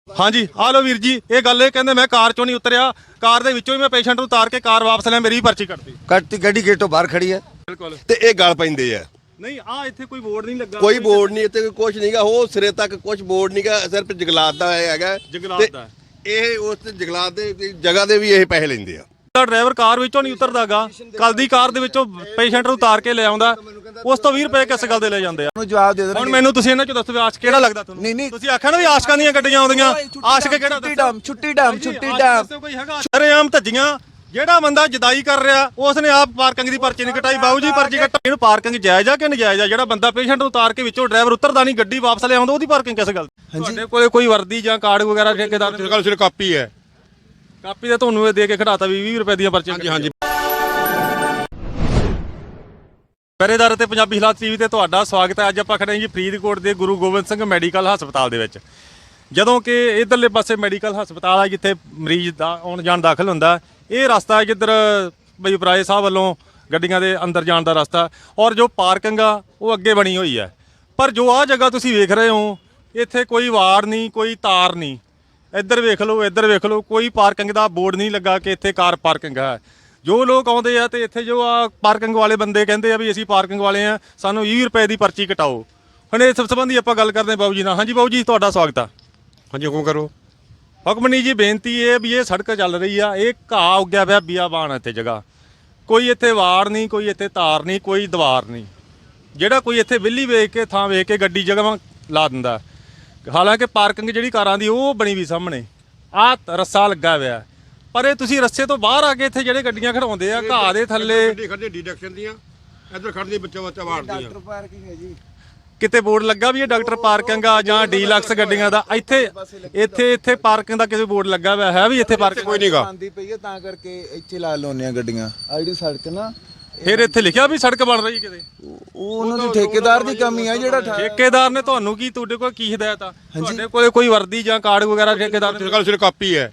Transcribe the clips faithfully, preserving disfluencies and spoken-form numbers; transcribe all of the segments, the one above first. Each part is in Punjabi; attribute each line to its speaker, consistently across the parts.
Speaker 1: हाँ जी आ लो वीर जी ये गल है कहते मैं कार चो नहीं उतरिया कार दे विचों ही मैं पेशेंट उतार के कार वापस लिया मेरी पर्ची कटती
Speaker 2: ਕੱਟਤੀ ਗੱਡੀ ਗੇਟੋਂ ਬਾਹਰ ਖੜੀ ਹੈ
Speaker 1: बिल्कुल
Speaker 2: ਤੇ ਇਹ ਗਲ ਪੈਂਦੇ ਆ
Speaker 1: नहीं आ इत्थे कोई बोर्ड नहीं लगा
Speaker 2: ਕੋਈ ਬੋਰਡ ਨਹੀਂ ਇੱਥੇ ਕੁਝ ਨਹੀਂਗਾ ਉਹ ਸਿਰੇ ਤੱਕ ਕੁਝ ਬੋਰਡ ਨਹੀਂਗਾ ਸਿਰਫ ਜੰਗਲਾਤ ਦਾ ਹੈਗਾ
Speaker 1: ਜੰਗਲਾਤ
Speaker 2: ਤੇ
Speaker 1: ਦਾ
Speaker 2: ਇਹ ਉਸ ਜੰਗਲਾਤ ਦੇ ਜਗ੍ਹਾ ਦੇ ਵੀ ਇਹ ਪੈਸੇ ਲੈਂਦੇ ਆ
Speaker 1: ड्राइवर कार विचों नहीं उतरदागा कल दी कार दे विचों पेशेंट ਨੂੰ ਉਤਾਰ ਕੇ ਲੈ ਆਉਂਦਾ ਉਸ ਤੋਂ ਵੀਹ ਰੁਪਏ ਕਿਸ ਗੱਲ ਦੇ ਲੈ ਜਾਂਦੇ ਆ
Speaker 3: ਨੂੰ ਜਵਾਬ ਦੇ
Speaker 1: ਹੁਣ ਮੈਨੂੰ ਤੁਸੀਂ ਇਹਨਾਂ ਚੋਂ ਦੱਸੋ ਵੀ ਆਸ਼ਕ ਕਿਹੜਾ ਲੱਗਦਾ ਤੁਹਾਨੂੰ
Speaker 3: ਨਹੀਂ ਨਹੀਂ
Speaker 1: ਤੁਸੀਂ ਆਖਿਆ ਨਾ ਵੀ ਆਸ਼ਕਾਂ ਦੀਆਂ ਗੱਡੀਆਂ ਆਉਂਦੀਆਂ ਆਸ਼ਕ ਕਿਹੜਾ
Speaker 3: ਛੁੱਟੀ ਡਾਮ ਛੁੱਟੀ ਡਾਮ ਛੁੱਟੀ ਡਾਮ
Speaker 1: ਕੋਈ ਹੈਗਾ ਸ਼ਰੇਆਮ ਧੱਜੀਆਂ ਜਿਹੜਾ ਬੰਦਾ ਜਦਾਈ ਕਰ ਰਿਹਾ ਉਸ ਨੇ ਆਪ ਪਾਰਕਿੰਗ ਦੀ ਪਰਚੀ ਨਹੀਂ ਕਟਾਈ ਬਾਊ ਜੀ ਪਰਚੀ ਕਟਾਈ ਇਹਨੂੰ ਪਾਰਕਿੰਗ ਜਾਇਜ਼ ਆ ਕਿ ਨਜਾਇਜ਼ ਆ ਜਿਹੜਾ ਬੰਦਾ ਪੇਸ਼ੈਂਟ ਨੂੰ ਉਤਾਰ ਕੇ ਵਿੱਚੋਂ ਡਰਾਈਵਰ ਉਤਰਦਾ ਨਹੀਂ ਗੱਡੀ ਵਾਪਸ ਲੈ ਆਉਂਦਾ ਉਹਦੀ ਪਾਰਕਿੰਗ ਕਿਸ ਗੱਲ ਤੁਹਾਡੇ ਕੋਲੇ ਕੋਈ ਵਰਦੀ ਜਾਂ ਕਾਰਡ ਵਗੈਰਾ ਠੇਕੇਦਾਰ
Speaker 2: ਇਸ ਗੱਲ ਸਿਰ ਕਾਪੀ ਹੈ
Speaker 1: ਕਾਪੀ ਤਾਂ ਤੁਹਾਨੂੰ ਇਹ ਦੇ ਕੇ ਖੜਾਤਾ ਵੀ ਵੀਹ ਰੁਪਏ ਦੀਆਂ ਪਰਚੀਆਂ
Speaker 2: ਹਾਂਜੀ ਹਾਂਜੀ
Speaker 1: ਪਹਿਰੇਦਾਰ ਤੇ ਪੰਜਾਬੀ ਹਾਲਾਤ ਟੀਵੀ ਤੇ ਤੁਹਾਡਾ ਸਵਾਗਤ ਹੈ। ਅੱਜ ਆਪਾਂ ਖੜੇ ਹਾਂ ਜੀ ਫਰੀਦਕੋਟ ਦੇ ਗੁਰੂ ਗੋਬਿੰਦ ਸਿੰਘ ਮੈਡੀਕਲ ਹਸਪਤਾਲ ਦੇ ਵਿੱਚ ਜਦੋਂ ਕਿ ਇਧਰਲੇ ਪਾਸੇ ਮੈਡੀਕਲ ਹਸਪਤਾਲ ਆ ਜਿੱਥੇ ਮਰੀਜ਼ ਦਾ ਆਉਣ ਜਾਣ ਦਾਖਲ ਹੁੰਦਾ ਇਹ ਰਸਤਾ ਜਿੱਧਰ ਬਈ ਉਪਰਾਏ ਸਾਹਿਬ ਵੱਲੋਂ ਗੱਡੀਆਂ ਦੇ ਅੰਦਰ ਜਾਣ ਦਾ ਰਸਤਾ ਔਰ ਜੋ ਪਾਰਕਿੰਗ ਆ ਉਹ ਅੱਗੇ ਬਣੀ ਹੋਈ ਹੈ ਪਰ ਜੋ ਆਹ ਜਗ੍ਹਾ ਤੁਸੀਂ ਵੇਖ ਰਹੇ ਹੋ ਇੱਥੇ ਕੋਈ ਵਾੜ ਨਹੀਂ ਕੋਈ ਤਾਰ ਨਹੀਂ ਇੱਧਰ ਵੇਖ ਲਓ ਇੱਧਰ ਵੇਖ ਲਓ ਕੋਈ ਪਾਰਕਿੰਗ ਦਾ ਬੋਰਡ ਨਹੀਂ ਲੱਗਾ ਕਿ ਇੱਥੇ ਕਾਰ ਪਾਰਕਿੰਗ ਹੈ ਜੋ ਲੋਕ ਆਉਂਦੇ ਆ ਤੇ ਇੱਥੇ ਜੋ ਆ ਪਾਰਕਿੰਗ ਵਾਲੇ ਬੰਦੇ ਕਹਿੰਦੇ ਆ ਵੀ ਅਸੀਂ ਪਾਰਕਿੰਗ ਵਾਲੇ ਆ ਸਾਨੂੰ ਵੀਹ ਰੁਪਏ ਦੀ ਪਰਚੀ ਕਟਾਓ ਹੁਣ ਇਸ ਸੰਬੰਧੀ ਆਪਾਂ ਗੱਲ ਕਰਦੇ ਹਾਂ ਬਾਬੂ ਜੀ ਨਾਲ। ਹਾਂਜੀ ਬਾਬੂ ਜੀ ਤੁਹਾਡਾ ਸਵਾਗਤ ਆ।
Speaker 2: ਹਾਂਜੀ ਹੁਕਮ ਕਰੋ।
Speaker 1: ਹੁਕਮਨੀ ਜੀ ਬੇਨਤੀ ਇਹ ਵੀ ਇਹ ਸੜਕ ਚੱਲ ਰਹੀ ਆ ਇਹ ਘਾਹ ਉੱਗਿਆ ਪਿਆ ਬੀਆਬਾਨ ਇੱਥੇ ਜਗ੍ਹਾ ਕੋਈ ਇੱਥੇ ਵਾੜ ਨਹੀਂ ਕੋਈ ਇੱਥੇ ਤਾਰ ਨਹੀਂ ਕੋਈ ਦੀਵਾਰ ਨਹੀਂ ਜਿਹੜਾ ਕੋਈ ਇੱਥੇ ਵਿਹਲੀ ਵੇਖ ਕੇ ਥਾਂ ਵੇਖ ਕੇ ਗੱਡੀ ਜਗ੍ਹਾ ਲਾ ਦਿੰਦਾ ਹਾਲਾਂਕਿ ਪਾਰਕਿੰਗ ਜਿਹੜੀ ਕਾਰਾਂ ਦੀ ਉਹ ਬਣੀ ਵੀ ਸਾਹਮਣੇ ਆਹ ਰੱਸਾ ਲੱਗਾ ਹੋਇਆ ਪਰ ਇਹ ਤੁਸੀਂ ਰਸਤੇ ਤੋਂ ਬਾਹਰ ਆ ਕੇ ਇੱਥੇ ਜਿਹੜੇ ਗੱਡੀਆਂ ਖੜਾਉਂਦੇ ਆ ਘਾਹ ਦੇ ਥੱਲੇ
Speaker 2: ਗੱਡੀ ਖੜਦੀ ਡਿਡਕਸ਼ਨ ਦੀਆਂ ਇੱਧਰ ਖੜਦੀ ਬੱਚਾ ਬੱਚਾ ਵਾੜਦੀਆਂ
Speaker 3: ਡਾਕਟਰ ਪਾਰਕਿੰਗ ਹੈ ਜੀ
Speaker 1: ਕਿਤੇ ਬੋਰਡ ਲੱਗਾ ਵੀ ਇਹ ਡਾਕਟਰ ਪਾਰਕਿੰਗ ਆ ਜਾਂ ਡੀਲਕਸ ਗੱਡੀਆਂ ਦਾ ਇੱਥੇ ਇੱਥੇ ਇੱਥੇ ਪਾਰਕਿੰਗ ਦਾ ਕਿਸੇ ਬੋਰਡ ਲੱਗਾ ਹੋਇਆ ਹੈ ਵੀ ਇੱਥੇ ਪਾਰਕਿੰਗ
Speaker 2: ਕੋਈ ਨਹੀਂਗਾ
Speaker 3: ਆਂਦੀ ਪਈ ਹੈ ਤਾਂ ਕਰਕੇ ਇੱਥੇ ਲਾ ਲਾਉਂਦੇ ਆ ਗੱਡੀਆਂ ਆਈਡੀ ਸੜਕ ਨਾ
Speaker 1: ਫਿਰ ਇੱਥੇ ਲਿਖਿਆ ਵੀ ਸੜਕ ਬਣ ਰਹੀ ਕਿਤੇ
Speaker 3: ਉਹ ਉਹਨਾਂ ਦੀ ਠੇਕੇਦਾਰ ਦੀ ਕਮੀ ਆ ਜਿਹੜਾ ਠਾ-
Speaker 1: ਠੇਕੇਦਾਰ ਨੇ ਤੁਹਾਨੂੰ ਕੀ ਤੁਹਾਡੇ ਕੋਲ ਕੀ ਹਦਾਇਤ ਆ ਤੁਹਾਡੇ ਕੋਲੇ ਕੋਈ ਵਰਦੀ ਜਾਂ ਕਾਰਡ ਵਗੈਰਾ ਠੇਕੇਦਾਰ ਨੇ
Speaker 2: ਇਸ ਗੱਲ ਸਿਰ ਕਾਪੀ ਹੈ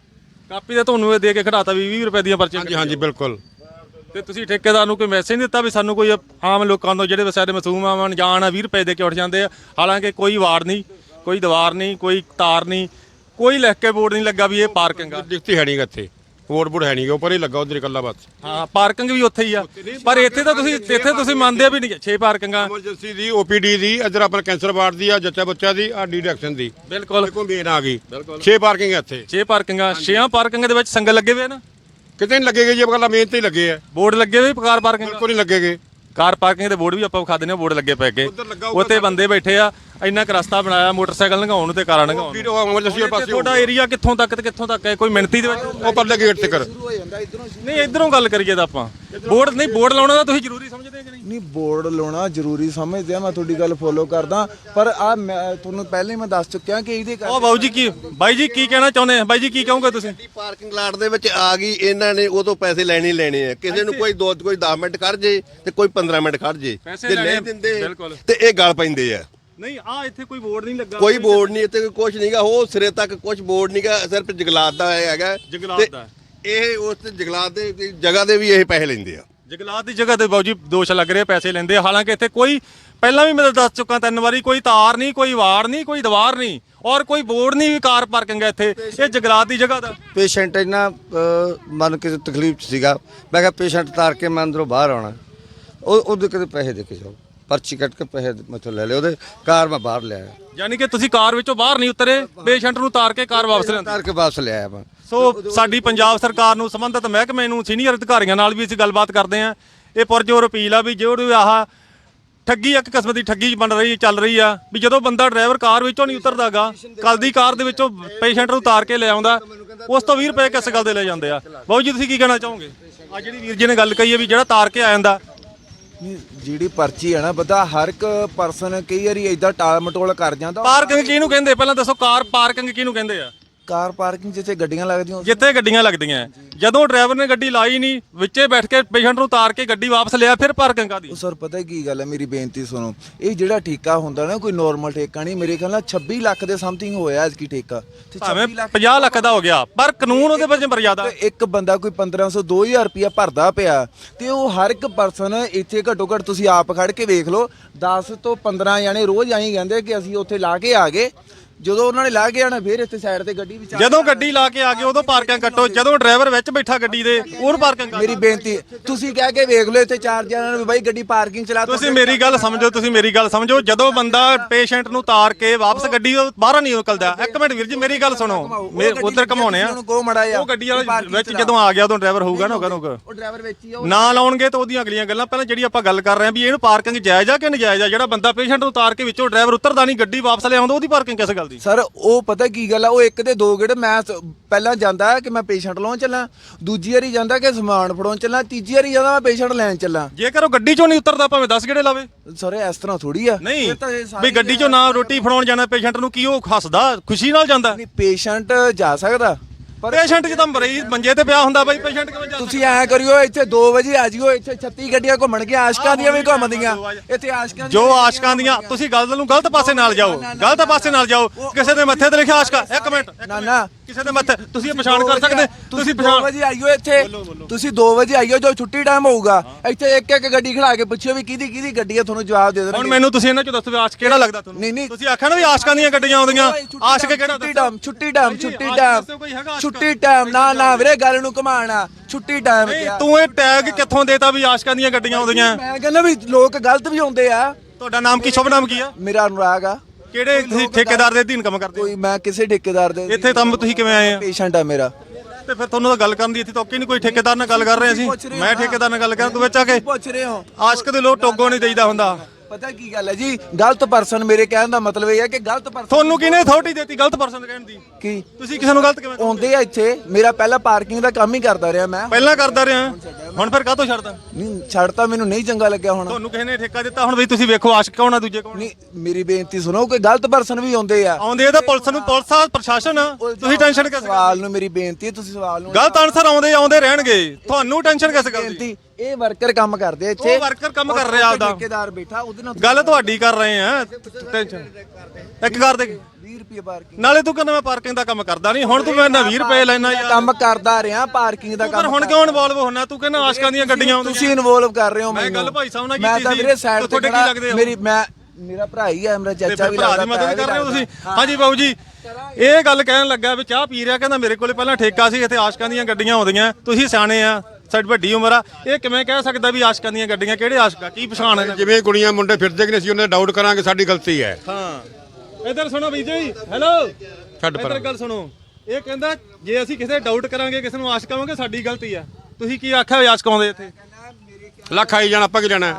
Speaker 1: ਕਾਪੀ ਤਾਂ ਤੁਹਾਨੂੰ ਇਹ ਦੇ ਕੇ ਖੜਾਤਾ ਵੀ ਵੀਹ ਰੁਪਏ ਦੀਆਂ ਪਰਚੀਆਂ
Speaker 2: ਹਾਂਜੀ ਹਾਂਜੀ ਬਿਲਕੁਲ
Speaker 1: ਤੇ ਤੁਸੀਂ ਠੇਕੇਦਾਰ ਨੂੰ ਕੋਈ ਮੈਸੇਜ ਨਹੀਂ ਦਿੱਤਾ ਵੀ ਸਾਨੂੰ ਕੋਈ ਆਮ ਲੋਕਾਂ ਤੋਂ ਜਿਹੜੇ ਵਿਚਾਰੇ ਮਾਸੂਮ ਆ ਜਾਣ ਵੀਹ ਰੁਪਏ ਦੇ ਕੇ ਉੱਠ ਜਾਂਦੇ ਆ ਹਾਲਾਂਕਿ ਕੋਈ ਵਾੜ ਨਹੀਂ ਕੋਈ ਦੀਵਾਰ ਨਹੀਂ ਕੋਈ ਤਾਰ ਨਹੀਂ ਕੋਈ ਲਿਖ ਕੇ ਬੋਰਡ ਨਹੀਂ ਲੱਗਾ ਵੀ ਇਹ ਪਾਰਕਿੰਗ ਆ
Speaker 2: ਦਿਖਤੀ ਹੈ ਨਹੀਂਗਾ ਇੱਥੇ ਬੋਰਡ ਬੋਰਡ ਹੈ ਨਹੀਂਗਾ ਉੱਪਰ ਹੀ ਲੱਗਾ ਉਧਰ ਇਕੱਲਾ ਬਸ
Speaker 1: ਹਾਂ ਪਾਰਕਿੰਗ ਵੀ ਉੱਥੇ ਹੀ ਆ ਪਰ ਇੱਥੇ ਤਾਂ ਤੁਸੀਂ ਇੱਥੇ ਤੁਸੀਂ ਮੰਨਦੇ ਵੀ ਨਹੀਂ ਛੇ ਪਾਰਕਿੰਗਾਂ
Speaker 2: ਐਮਰਜੈਂਸੀ ਦੀ ਓਪੀਡੀ ਦੀ ਇੱਧਰ ਆਪਣਾ ਕੈਂਸਰ ਵਾਰਡ ਦੀ ਆ ਜੱਚਾ ਬੱਚਾ ਦੀ ਆ ਡੀਡਕਸ਼ਨ ਦੀ
Speaker 1: ਬਿਲਕੁਲ
Speaker 2: ਦੇਖੋ ਮੇਨ ਆ ਗਈ ਛੇ ਪਾਰਕਿੰਗ ਹੈ ਇੱਥੇ
Speaker 1: ਛੇ ਪਾਰਕਿੰਗਾਂ ਛੇਆਂ ਪਾਰਕਿੰਗਾਂ ਦੇ ਵਿੱਚ ਸੰਗਲ ਲੱਗੇ ਹੋਏ ਨਾ
Speaker 2: ਕਿਤੇ ਨਹੀਂ ਲੱਗੇਗੇ ਜੀ ਅਗਲਾ ਮੇਨ ਤੇ ਹੀ ਲੱਗੇ ਆ
Speaker 1: ਬੋਰਡ ਲੱਗੇ ਹੋਏ ਕਾਰ ਪਾਰਕਿੰਗ
Speaker 2: ਬਿਲਕੁਲ ਨਹੀਂ ਲੱਗੇਗੇ
Speaker 1: ਕਾਰ ਪਾਰਕਿੰਗ ਦੇ ਬੋਰਡ ਵੀ ਆਪਾਂ ਵਿਖਾ ਦਿੰਦੇ ਹਾਂ ਬੋਰਡ ਲੱਗੇ ਪਏ ਅੱਗੇ ਉੱਥੇ ਬੰਦੇ ਬੈਠੇ ਆ ਇੰਨਾ ਕੁ ਰਸਤਾ ਬਣਾਇਆ ਮੋਟਰਸਾਈਕਲ ਲੰਘਾਉਣ ਨੂੰ ਤੇ ਕਾਰਾਂ ਲੰਘਾਉਣ ਨੂੰ
Speaker 2: ਐਮਰਜੈਂਸੀ ਪਾਸੇ
Speaker 1: ਤੁਹਾਡਾ ਏਰੀਆ ਕਿੱਥੋਂ ਤੱਕ ਤੇ ਕਿੱਥੋਂ ਤੱਕ ਹੈ ਕੋਈ ਮਿਣਤੀ ਦੇ ਵਿੱਚ
Speaker 2: ਉਹ ਪਰਲੇ ਗੇਟ ਤੇ ਕਰ
Speaker 3: ਸ਼ੁਰੂ ਹੋ ਜਾਂਦਾ ਇਧਰੋਂ
Speaker 1: ਨਹੀਂ ਇਧਰੋਂ ਗੱਲ ਕਰੀਏ ਤਾਂ ਆਪਾਂ ਬੋਰਡ ਨਹੀਂ ਬੋਰਡ ਲਾਉਣਾ ਤਾਂ ਤੁਸੀਂ ਜ਼ਰੂਰੀ ਸਮਝਦੇ ਕਿ ਨਹੀਂ
Speaker 3: ਨਹੀਂ ਬੋਰਡ ਲਾਉਣਾ ਜ਼ਰੂਰੀ ਸਮਝਦੇ ਆ ਮੈਂ ਤੁਹਾਡੀ ਗੱਲ ਫੋਲੋ ਕਰਦਾ ਪਰ ਆ ਤੁਹਾਨੂੰ ਪਹਿਲੇ ਹੀ ਮੈਂ ਦੱਸ ਚੁੱਕਿਆ ਕਿ ਇਹਦੇ
Speaker 1: ਉਹ ਬਾਊ ਜੀ ਕੀ ਬਾਈ ਜੀ ਕੀ ਕਹਿਣਾ ਚਾਹੁੰਦੇ ਆ ਬਾਈ ਜੀ ਕੀ ਕਹੋਗੇ ਤੁਸੀਂ
Speaker 2: ਪਾਰਕਿੰਗ ਲਾਟ ਦੇ ਵਿੱਚ ਆ ਗਈ ਇਹਨਾਂ ਨੇ ਉਹ ਤੋਂ ਪੈਸੇ ਲੈਣੇ ਹੀ ਲੈਣੇ ਆ ਕਿਸੇ ਨੂੰ ਕੋਈ ਦੋ ਕੋਈ ਦਸ ਮਿੰਟ ਖੜ ਜੇ ਤੇ ਕੋਈ ਪੰਦਰਾਂ ਮਿੰਟ ਖੜ ਜੇ
Speaker 1: ਪੈਸੇ
Speaker 2: ਨਹੀਂ ਦਿੰਦੇ
Speaker 1: ਬਿਲਕੁਲ
Speaker 2: ਤੇ ਇਹ ਗਲ ਪੈਂਦੇ ਆ
Speaker 1: ਨਹੀਂ ਆ ਇੱਥੇ ਕੋਈ ਬੋਰਡ ਨਹੀਂ ਲੱਗਾ
Speaker 2: ਕੋਈ ਬੋਰਡ ਨਹੀਂ ਇੱਥੇ ਕੁਝ ਨਹੀਂਗਾ ਉਹ ਸਿਰੇ ਤੱਕ ਕੁਝ ਬੋਰਡ ਨਹੀਂਗਾ ਸਿਰਫ ਜੰਗਲਾਤ ਦਾ ਹੈਗਾ
Speaker 1: ਜੰਗਲਾਤ ਦਾ
Speaker 2: ਇਹ ਉਸ ਜੰਗਲਾਤ ਦੇ ਜਗ੍ਹਾ ਦੇ ਵੀ ਇਹ ਪੈਸੇ ਲੈਂਦੇ ਆ
Speaker 1: ਜੰਗਲਾਤ ਦੀ ਜਗ੍ਹਾ ਤੇ ਬਾਊ ਜੀ ਦੋਸ਼ ਲੱਗ ਰਿਹਾ ਪੈਸੇ ਲੈਂਦੇ ਆ ਹਾਲਾਂਕਿ ਇੱਥੇ ਕੋਈ ਪਹਿਲਾਂ ਵੀ ਮੈਂ ਦੱਸ ਚੁੱਕਾ ਤਿੰਨ ਵਾਰੀ ਕੋਈ ਤਾਰ ਨਹੀਂ ਕੋਈ ਵਾੜ ਨਹੀਂ ਕੋਈ ਦੀਵਾਰ ਨਹੀਂ ਔਰ ਕੋਈ ਬੋਰਡ ਨਹੀਂ ਵੀ ਕਾਰ ਪਾਰਕਿੰਗ ਹੈ ਇੱਥੇ ਇਹ ਜੰਗਲਾਤ ਦੀ ਜਗ੍ਹਾ ਦਾ
Speaker 4: ਪੇਸ਼ੈਂਟ ਇੰਨਾ ਮਨ ਕਿਸੇ ਤਕਲੀਫ 'ਚ ਸੀਗਾ ਮੈਂ ਕਿਹਾ ਪੇਸ਼ੈਂਟ ਤਾਰ ਕੇ ਮੈਂ ਅੰਦਰੋਂ ਬਾਹਰ ਆਉਣਾ ਉਹ ਉਹਦੇ ਕਿਤੇ ਪੈਸੇ ਦੇ ਕੇ ਜਾਓ ਪਰਚੀ ਕੱਟ ਕੇ ਪੈਸੇ ਮੈਥੋਂ ਲੈ ਲਿਓ ਉਹਦੇ ਕਾਰ ਮੈਂ ਬਾਹਰ ਲਿਆਇਆ
Speaker 1: ਯਾਨੀ ਕਿ ਤੁਸੀਂ ਕਾਰ ਵਿੱਚੋਂ ਬਾਹਰ ਨਹੀਂ ਉਤਰੇ ਪੇਸ਼ੈਂਟ ਨੂੰ ਤਾਰ ਕੇ ਕਾਰ ਵਾਪਸ ਲੈਂਦੇ
Speaker 4: ਤਾਰ ਕੇ ਵਾਪਸ ਲਿਆਇਆ ਮੈਂ
Speaker 1: ਸੋ ਸਾਡੀ ਪੰਜਾਬ ਸਰਕਾਰ ਨੂੰ ਸੰਬੰਧਿਤ ਮਹਿਕਮੇ ਨੂੰ ਸੀਨੀਅਰ ਅਧਿਕਾਰੀਆਂ ਨਾਲ ਵੀ ਅਸੀਂ ਗੱਲਬਾਤ ਕਰਦੇ ਹਾਂ ਇਹ ਪੁਰਜੋਰ ਅਪੀਲ ਆ ਵੀ ਜਿਹੜੀ ਆਹ ਠੱਗੀ ਇੱਕ ਕਿਸਮ ਦੀ ਠੱਗੀ ਬਣ ਰਹੀ ਚੱਲ ਰਹੀ ਆ ਵੀ ਜਦੋਂ ਬੰਦਾ ਡਰਾਈਵਰ ਕਾਰ ਵਿੱਚੋਂ ਨਹੀਂ ਉਤਰਦਾਗਾ ਕੱਲ ਦੀ ਕਾਰ ਦੇ ਵਿੱਚੋਂ ਪੇਸ਼ੈਂਟ ਨੂੰ ਉਤਾਰ ਕੇ ਲੈ ਆਉਂਦਾ ਉਸ ਤੋਂ ਵੀਹ ਰੁਪਏ ਕਿਸ ਗੱਲ ਦੇ ਲੈ ਜਾਂਦੇ ਆ ਬਾਊ ਜੀ ਤੁਸੀਂ ਕੀ ਕਹਿਣਾ ਚਾਹੋਗੇ ਆ ਜਿਹੜੀ ਵੀਰ ਜੀ ਨੇ ਗੱਲ ਕਹੀ ਹੈ ਵੀ ਜਿਹੜਾ ਤਾਰ ਕੇ ਆ ਜਾਂਦਾ
Speaker 3: ਜਿਹੜੀ ਪਰਚੀ ਆ ਨਾ ਪਤਾ ਹਰ ਇੱਕ ਪਰਸਨ ਕਈ ਵਾਰੀ ਇਦਾਂ ਟਾਲ ਮਟੋਲ ਕਰ ਜਾਂਦਾ
Speaker 1: ਪਾਰਕਿੰਗ ਕਿਹਨੂੰ ਕਹਿੰਦੇ ਪਹਿਲਾਂ ਦੱਸੋ ਕਾਰ ਪਾਰਕਿੰਗ ਕਿਹਨੂੰ ਕਹਿੰਦੇ ਆ
Speaker 3: ਕਾਰ ਪਾਰਕਿੰਗ ਜਿੱਥੇ ਗੱਡੀਆਂ ਲੱਗਦੀਆਂ
Speaker 1: ਜਿੱਥੇ ਗੱਡੀਆਂ ਲੱਗਦੀਆਂ ਜਦੋਂ ਡਰਾਈਵਰ ਨੇ ਗੱਡੀ ਲਾਈ ਨਹੀਂ ਵਿੱਚੇ ਬੈਠ ਕੇ ਪੇਸ਼ੈਂਟ ਨੂੰ ਉਤਾਰ ਕੇ ਗੱਡੀ ਵਾਪਸ ਲਿਆ ਫਿਰ ਪਾਰਕਿੰਗ ਕਾਦੀ
Speaker 3: ਉਹ ਸਰ ਪਤਾ ਕੀ ਗੱਲ ਹੈ ਮੇਰੀ ਬੇਨਤੀ ਸੁਣੋ ਇਹ ਜਿਹੜਾ ਠੇਕਾ ਹੁੰਦਾ ਨਾ ਕੋਈ ਨਾਰਮਲ ਠੇਕਾ ਨਹੀਂ ਮੇਰੇ ਖਿਆਲ ਨਾਲ ਛੱਬੀ ਲੱਖ ਦੇ ਸਮਥਿੰਗ ਹੋਇਆ ਇਸ ਕੀ ਠੇਕਾ ਤੇ
Speaker 1: ਭਾਵੇਂ ਪੰਜਾਹ ਲੱਖ ਦਾ ਹੋ ਗਿਆ ਪਰ ਕਾਨੂੰਨ ਉਹਦੇ ਵਿੱਚ ਮਰਜ਼ਾਦਾ
Speaker 3: ਇੱਕ ਬੰਦਾ ਕੋਈ ਪੰਦਰਾਂ ਸੌ ਦੋ ਹਜ਼ਾਰ ਰੁਪਇਆ ਭਰਦਾ ਪਿਆ ਤੇ ਉਹ ਹਰ ਇੱਕ ਪਰਸਨ ਇੱਥੇ ਘੱਟੋ ਘੱਟ ਤੁਸੀਂ ਆਪ ਖੜ ਕੇ ਵੇਖ ਲਓ ਦਸ ਤੋਂ ਪੰਦਰਾਂ ਜਾਣੇ ਰੋਜ਼ ਆਈ ਕਹਿੰਦੇ ਕਿ ਅਸੀਂ ਉੱਥੇ ਲਾ ਕੇ ਆ ਗਏ ਜਦੋਂ ਉਹਨਾਂ ਨੇ ਲਾ ਕੇ ਆਣਾ ਫਿਰ ਇੱਥੇ ਸਾਈਡ ਤੇ ਗੱਡੀ ਵੀ ਚੱਲ
Speaker 1: ਜਦੋਂ ਗੱਡੀ ਲਾ ਕੇ ਆ ਗਏ ਉਦੋਂ ਪਾਰਕਿੰਗ ਕੱਟੋ, ਜਦੋਂ ਡਰਾਈਵਰ ਵਿੱਚ ਬੈਠਾ ਗੱਡੀ ਦੇ ਉਹ ਪਾਰਕਿੰਗ ਕੱਟੋ।
Speaker 3: ਮੇਰੀ ਬੇਨਤੀ ਤੁਸੀਂ ਕਹਿ ਕੇ ਵੇਖ ਲਓ ਇੱਥੇ ਚਾਰ ਜਣਾਂ ਨੇ ਵੀ ਬਾਈ ਗੱਡੀ ਪਾਰਕਿੰਗ ਚਲਾ
Speaker 1: ਤੁਸੀਂ ਮੇਰੀ ਗੱਲ ਸਮਝੋ, ਤੁਸੀਂ ਮੇਰੀ ਗੱਲ ਸਮਝੋ। ਜਦੋਂ ਬੰਦਾ ਪੇਸ਼ੈਂਟ ਨੂੰ ਤਾਰ ਕੇ ਵਾਪਸ ਗੱਡੀ ਤੋਂ ਬਾਹਰ ਨਹੀਂ ਨਿਕਲਦਾ, ਇੱਕ ਮਿੰਟ ਵੀਰ ਜੀ ਮੇਰੀ ਗੱਲ ਸੁਣੋ, ਉਧਰ ਘਮਾਉਣੇ ਆ
Speaker 3: ਕੋ ਮੜਾ ਜਾ
Speaker 1: ਉਹ ਗੱਡੀ ਵਾਲਾ ਵਿੱਚ ਜਦੋਂ ਆ ਗਿਆ ਉਦੋਂ ਡਰਾਈਵਰ ਹੋਊਗਾ ਨਾ, ਹੋਊਗਾ
Speaker 3: ਉਹ ਡਰਾਈਵਰ ਵਿੱਚ ਹੀ ਆ ਉਹ।
Speaker 1: ਨਾ ਲਾਉਣਗੇ ਤਾਂ ਉਹਦੀਆਂ ਅਗਲੀਆਂ ਗੱਲਾਂ। ਪਹਿਲਾਂ ਜਿਹੜੀ ਆਪਾਂ ਗੱਲ ਕਰ ਰਹੇ ਆ ਵੀ ਇਹਨੂੰ ਪਾਰਕਿੰਗ ਜਾਇਜ਼ ਆ ਕਿ ਨਜਾਇਜ਼ ਆ, ਜਿਹੜਾ ਬੰਦਾ ਪੇਸ਼ੈਂਟ ਨੂੰ ਉਤਾਰ ਕੇ ਵਿੱਚੋਂ ਡਰਾਈਵਰ ਉਤਰਦਾ ਨਹੀਂ ਗੱਡੀ ਵਾਪਸ ਲੈ ਆਉਂਦਾ ਉਹਦੀ ਪਾਰਕਿੰਗ ਕਿਸ ਗੱਲ ਦੀ?
Speaker 3: ਸਰ ਉਹ ਪਤਾ ਕੀ ਗੱਲ ਆ, ਉਹ ਇੱਕ ਦੇ ਦੋ ਗੇੜੇ ਮੈਂ ਸ- ਪਹਿਲਾਂ ਜਾਂਦਾ ਕਿ ਮੈਂ ਪੇਸ਼ੈਂਟ ਲਾਉਣ ਚੱਲਾਂ, ਦੂਜੀ ਵਾਰੀ ਜਾਂਦਾ ਕਿ ਸਮਾਨ ਫੜਾਉਣ ਚੱਲਾਂ, ਤੀਜੀ ਵਾਰੀ ਜਾਂਦਾ ਮੈਂ ਪੇਸ਼ੈਂਟ ਲੈਣ ਚੱਲਾਂ।
Speaker 1: ਜੇਕਰ ਉਹ ਗੱਡੀ ਚੋਂ ਨਹੀਂ ਉਤਰਦਾ ਭਾਵੇਂ ਦਸ ਗੇੜੇ ਲਾਵੇ।
Speaker 3: ਸਰ ਇਸ ਤਰ੍ਹਾਂ ਥੋੜੀ ਆ।
Speaker 1: ਨਹੀਂ
Speaker 3: ਫਿਰ ਤਾਂ ਇਹ ਸਾਰੀ
Speaker 1: ਵੀ ਗੱਡੀ ਚੋਂ ਨਾ ਰੋਟੀ ਫੜਾਉਣ ਜਾਣਾ ਪੇਸ਼ੈਂਟ ਨੂੰ, ਕੀ ਉਹ ਹੱਸਦਾ ਖੁਸ਼ੀ ਨਾਲ ਜਾਂਦਾ?
Speaker 3: ਨਹੀਂ ਪੇਸ਼ੈਂਟ ਜਾ ਸਕਦਾ ਪਰ
Speaker 1: ਪੇਸ਼ੈਂਟ ਜਦੋਂ ਮਰੀਜ਼ ਮੰਜੇ ਤੇ ਪਿਆ ਹੁੰਦਾ ਬਾਈ, ਪੇਸ਼ੈਂਟ ਕਿਵੇਂ ਜਾ
Speaker 3: ਤੁਸੀਂ ਐ ਕਰਿਓ ਇੱਥੇ ਦੋ ਵਜੇ ਆ ਜਿਓ, ਇੱਥੇ ਛੱਤੀ ਗੱਡੀਆਂ ਘੁੰਮਣ ਗਿਆ, ਆਸ਼ਕਾਂ ਦੀਆਂ ਵੀ ਘੁੰਮਦੀਆਂ ਇੱਥੇ, ਆਸ਼ਕਾਂ
Speaker 1: ਜੋ ਆਸ਼ਕਾਂ ਦੀਆਂ ਤੁਸੀਂ ਗੱਲ ਨੂੰ ਗਲਤ ਪਾਸੇ ਨਾਲ ਜਾਓ, ਗਲਤ ਪਾਸੇ ਨਾਲ ਜਾਓ। ਕਿਸੇ ਦੇ ਮੱਥੇ ਤੇ ਲਿਖਿਆ ਆਸ਼ਕਾ, ਇੱਕ ਮਿੰਟ
Speaker 3: ਨਾ ਨਾ
Speaker 1: ਕਿਸੇ ਦੇ ਮੱਥੇ ਤੁਸੀਂ ਇਹ ਪਛਾਣ ਕਰ ਸਕਦੇ? ਤੁਸੀਂ
Speaker 3: ਦੋ
Speaker 1: ਪਛਾਣ
Speaker 3: ਵਜੇ ਆਈਓ ਇੱਥੇ, ਤੁਸੀਂ ਦੋ ਵਜੇ ਆਈਓ, ਜੋ ਛੁੱਟੀ ਟਾਈਮ ਹੋਊਗਾ ਇੱਥੇ ਇੱਕ ਇੱਕ ਗੱਡੀ ਖੜਾ ਕੇ ਪੁੱਛਿਓ ਵੀ ਕਿਹਦੀ ਕਿਹਦੀ ਗੱਡੀ ਹੈ, ਤੁਹਾਨੂੰ ਜਵਾਬ ਦੇ
Speaker 1: ਹੁਣ
Speaker 3: ਦੇਣਗੇ।
Speaker 1: ਮੈਨੂੰ ਤੁਸੀਂ ਇਹਨਾਂ ਚੋਂ ਦੱਸੋ ਵੀ ਆਸ਼ਕ ਕਿਹੜਾ ਲੱਗਦਾ ਤੁਹਾਨੂੰ?
Speaker 3: ਨਹੀਂ ਨਹੀਂ
Speaker 1: ਤੁਸੀਂ ਆਖਿਆ ਨਾ ਵੀ ਆਸ਼ਕਾਂ ਦੀਆਂ ਗੱਡੀਆਂ ਆਉਂਦੀਆਂ, ਆਸ਼ਕ ਕਿਹੜਾ?
Speaker 3: ਛੁੱਟੀ ਟਾਈਮ ਛੁੱਟੀ ਟਾਈਮ ਛੁੱਟੀ
Speaker 1: ਆਸ਼ਕ
Speaker 3: ਟਾਈਮ
Speaker 1: ਦੱਸੋ ਕੋਈ ਹੈਗਾ ਆਸ਼ਕ?
Speaker 3: ਛੁੱਟੀ ਟਾਈਮ ਨਾ ਨਾ ਵੀਰੇ ਗੱਲ ਨੂੰ ਘਮਾਣਾ, ਛੁੱਟੀ ਟਾਈਮ
Speaker 1: ਨਹੀਂ
Speaker 3: ਕਿਹਾ।
Speaker 1: ਤੂੰ ਇਹ ਟੈਗ ਕਿੱਥੋਂ ਦੇਤਾ ਵੀ ਆਸ਼ਕਾਂ ਦੀਆਂ ਗੱਡੀਆਂ ਆਉਂਦੀਆਂ?
Speaker 3: ਮੈਂ ਕਹਿੰਦਾ ਵੀ ਲੋਕ ਗਲਤ ਵੀ ਆਉਂਦੇ ਆ।
Speaker 1: ਤੁਹਾਡਾ ਨਾਮ ਕੀ, ਸ਼ੁਭ ਨਾਮ ਕੀ ਆ?
Speaker 3: ਮੇਰਾ ਅਨੁਰਾਗ ਆ।
Speaker 1: ਕਿਹੜੇ ਤੁਸੀਂ ਠੇਕੇਦਾਰ ਦੇ ਅਧੀਨ ਕੰਮ ਕਰਦੇ ਹੋ?
Speaker 3: ਕੋਈ ਮੈਂ ਕਿਸੇ ਠੇਕੇਦਾਰ ਦੇ
Speaker 1: ਇੱਥੇ ਤਾਂ ਤੁਸੀਂ ਕਿਵੇਂ ਆਏ ਆ?
Speaker 3: ਪੇਸ਼ੈਂਟ ਆ ਮੇਰਾ।
Speaker 1: ਤੇ ਫਿਰ ਤੁਹਾਨੂੰ ਤਾਂ ਗੱਲ ਕਰਨ ਦੀ ਇੱਥੇ ਤਾਂ ਨਹੀਂ, ਕੋਈ ਠੇਕੇਦਾਰ ਨਾਲ ਗੱਲ ਕਰ ਰਹੇ ਅਸੀਂ। ਮੈਂ ਠੇਕੇਦਾਰ ਨਾਲ ਗੱਲ ਕਰਾਂ, ਤੂੰ ਵਿੱਚ ਆ ਕੇ
Speaker 3: ਪੁੱਛ ਰਹੇ ਹੋ
Speaker 1: ਆਸ਼ਕ ਦੇ ਲੋਕ ਟੋਗੋ ਨਹੀਂ ਦੇਈਦਾ ਹੁੰਦਾ।
Speaker 3: ਪਤਾ ਕੀ ਗੱਲ ਹੈ ਜੀ, ਗਲਤ ਪਰਸਨ, ਮੇਰੇ ਕਹਿਣ ਦਾ ਮਤਲਬ ਇਹ ਹੈ ਕਿ ਗਲਤ ਪਰਸਨ
Speaker 1: ਤੁਹਾਨੂੰ ਕਿਹਨੇ ਅਥਾਰਟੀ ਦਿੱਤੀ ਗਲਤ ਪਰਸਨ ਕਹਿਣ ਦੀ?
Speaker 3: ਕੀ
Speaker 1: ਤੁਸੀਂ ਕਿਸੇ ਨੂੰ ਗਲਤ ਕਿਵੇਂ?
Speaker 3: ਆਉਂਦੇ ਆ ਇੱਥੇ, ਮੇਰਾ ਪਹਿਲਾਂ ਪਾਰਕਿੰਗ ਦਾ ਕੰਮ ਹੀ ਕਰਦਾ ਰਿਹਾ ਮੈਂ।
Speaker 1: ਪਹਿਲਾਂ ਕਰਦਾ ਰਿਹਾ, ਹੁਣ ਫਿਰ ਕਾਹਤੋਂ ਛੱਡਦਾ?
Speaker 3: ਨਹੀਂ ਛੱਡਤਾ, ਮੈਨੂੰ ਨਹੀਂ ਚੰਗਾ ਲੱਗਿਆ ਹੁਣ।
Speaker 1: ਤੁਹਾਨੂੰ ਕਿਸੇ ਨੇ ਠੇਕਾ ਦਿੱਤਾ ਹੁਣ ਵੀ ਤੁਸੀਂ ਵੇਖੋ ਆਸ਼ਕ ਕੌਣ ਆ ਦੂਜੇ ਕੌਣ?
Speaker 3: ਨਹੀਂ ਮੇਰੀ ਬੇਨਤੀ ਸੁਣੋ, ਕੋਈ ਗਲਤ ਪਰਸਨ ਵੀ ਆਉਂਦੇ ਆ।
Speaker 1: ਆਉਂਦੇ ਆ ਤਾਂ ਪੁਲਿਸ ਨੂੰ, ਪੁਲਿਸ ਆ ਪ੍ਰਸ਼ਾਸਨ ਆ, ਤੁਸੀਂ ਟੈਨਸ਼ਨ ਕਿਸ ਗੱਲ
Speaker 3: ਸਵਾਲ ਨੂੰ ਮੇਰੀ ਬੇਨਤੀ ਹੈ, ਤੁਸੀਂ ਸਵਾਲ ਨੂੰ
Speaker 1: ਦੀ? ਗਲਤ ਆਨਸਰ ਆਉਂਦੇ ਆਉਂਦੇ ਰਹਿਣਗੇ, ਤੁਹਾਨੂੰ ਟੈਨਸ਼ਨ ਕਿਸ ਗੱਲ ਦੀ?
Speaker 3: ਬੇਨਤੀ, ਇਹ ਵਰਕਰ ਕੰਮ ਕਰਦੇ ਆ ਇੱਥੇ,
Speaker 1: ਉਹ ਵਰਕਰ ਕੰਮ ਕਰ ਰਿਹਾ ਆਪਦਾ।
Speaker 3: ਠੇਕੇਦਾਰ ਬੈਠਾ ਉਹਦੇ ਨਾਲ
Speaker 1: ਗੱਲ ਤੁਹਾਡੀ ਕਰ ਰਹੇ ਆ, ਟੈਨਸ਼ਨ ਇੱਕ ਕਰ ਦੇ।
Speaker 3: ਵੀਹ ਰੁਪਏ ਪਾਰਕਿੰਗ
Speaker 1: ਨਾਲੇ ਤੂੰ ਕਹਿੰਦਾ ਮੈਂ ਪਾਰਕਿੰਗ ਦਾ ਕੰਮ ਕਰਦਾ ਨਹੀਂ, ਹੁਣ ਤੂੰ ਮੈਨੂੰ ਵੀਹ ਰੁਪਏ ਲੈਣਾ ਯਾਰ।
Speaker 3: ਕੰਮ ਕਰਦਾ ਰਿਹਾ, ਪਾਰਕਿੰਗ ਦਾ
Speaker 1: ਪਰ
Speaker 3: ਕੰਮ।
Speaker 1: ਹੁਣ ਕਿਉਂ ਇਨਵੋਲਵ ਹੋਣਾ? ਤੂੰ ਕਹਿੰਦਾ ਆਸ਼ਕਾਂ ਦੀਆਂ ਗੱਡੀਆਂ ਆਉਂਦੀਆਂ।
Speaker 3: ਤੁਸੀਂ ਇਨਵੋਲਵ ਕਰ ਰਹੇ ਹੋ
Speaker 1: ਮੈਂ
Speaker 3: ਮੈਨੂੰ।
Speaker 1: ਗੱਲ ਭਾਈ ਸਾਹਿਬ ਨਾਲ
Speaker 3: ਮੈਂ
Speaker 1: ਕੀਤੀ
Speaker 3: ਤਾਂ
Speaker 1: ਸੀ।
Speaker 3: ਵੀਰੇ ਸਾਈਡ ਤੇ
Speaker 1: ਤੁਹਾਡੇ ਕੀ
Speaker 3: ਖੜਾ,
Speaker 1: ਲੱਗਦੇ ਹੋ?
Speaker 3: ਮੇਰੀ ਮੈਂ ਮੇਰਾ ਭਰਾ ਹੀ ਹੈ, ਮੇਰਾ ਚਾਚਾ ਵੀ
Speaker 1: ਭਰਾ
Speaker 3: ਲੱਗਦਾ,
Speaker 1: ਦੀ ਮਦਦ ਕਰ ਰਹੇ ਹੋ ਤੁਸੀਂ। ਹਾਂਜੀ ਬਾਬੂ ਜੀ, ਇਹ ਗੱਲ ਕਹਿਣ ਲੱਗਾ ਵੀ ਚਾਹ ਪੀ ਰਿਹਾ, ਕਹਿੰਦਾ ਮੇਰੇ ਕੋਲੇ ਪਹਿਲਾਂ ਠੇਕਾ ਸੀ, ਇੱਥੇ ਆਸ਼ਕਾਂ ਦੀਆਂ ਗੱਡੀਆਂ ਆਉਂਦੀਆਂ। ਤੁਸੀਂ ਸਿਆਣੇ ਆ, ਸਾਡੀ ਵੱਡੀ ਉਮਰ ਆ, ਇਹ ਕਿਵੇਂ ਕਹਿ ਸਕਦਾ ਵੀ ਆਸ਼ਕਾਂ ਦੀਆਂ ਗੱਡੀਆਂ? ਕਿਹੜੇ ਆਸ਼ਕਾ, ਕੀ ਪਛਾਣ ਹੈ?
Speaker 5: ਜਿਵੇਂ ਕੁੜੀਆਂ ਮੁੰਡੇ ਫਿਰਦੇ ਕਿ ਨਹੀਂ, ਅਸੀਂ ਉਹਨਾਂ ਦਾ ਡਾਊਟ ਕਰਾਂਗੇ, ਸਾਡੀ ਗਲਤੀ ਹੈ।
Speaker 1: ਹਾਂ ਇੱਧਰ ਸੁਣੋ ਵੀਰ ਜੀ, ਹੈਲੋ
Speaker 5: ਛੱਡ
Speaker 1: ਇੱਧਰ
Speaker 5: ਪਰ
Speaker 1: ਗੱਲ ਸੁਣੋ। ਇਹ ਕਹਿੰਦਾ ਜੇ ਅਸੀਂ ਕਿਸੇ ਡਾਊਟ ਕਰਾਂਗੇ, ਕਿਸੇ ਨੂੰ ਆਸ਼ਕ ਕਹਾਂਗੇ, ਸਾਡੀ ਗਲਤੀ ਆ। ਤੁਸੀਂ ਕੀ ਆਖਿਆ ਵੀ ਆਸ਼ਕ ਆਉਂਦੇ ਇੱਥੇ?
Speaker 5: ਲੱਖ ਆਈ ਜਾਣਾ, ਆਪਾਂ ਕੀ ਲੈਣਾ?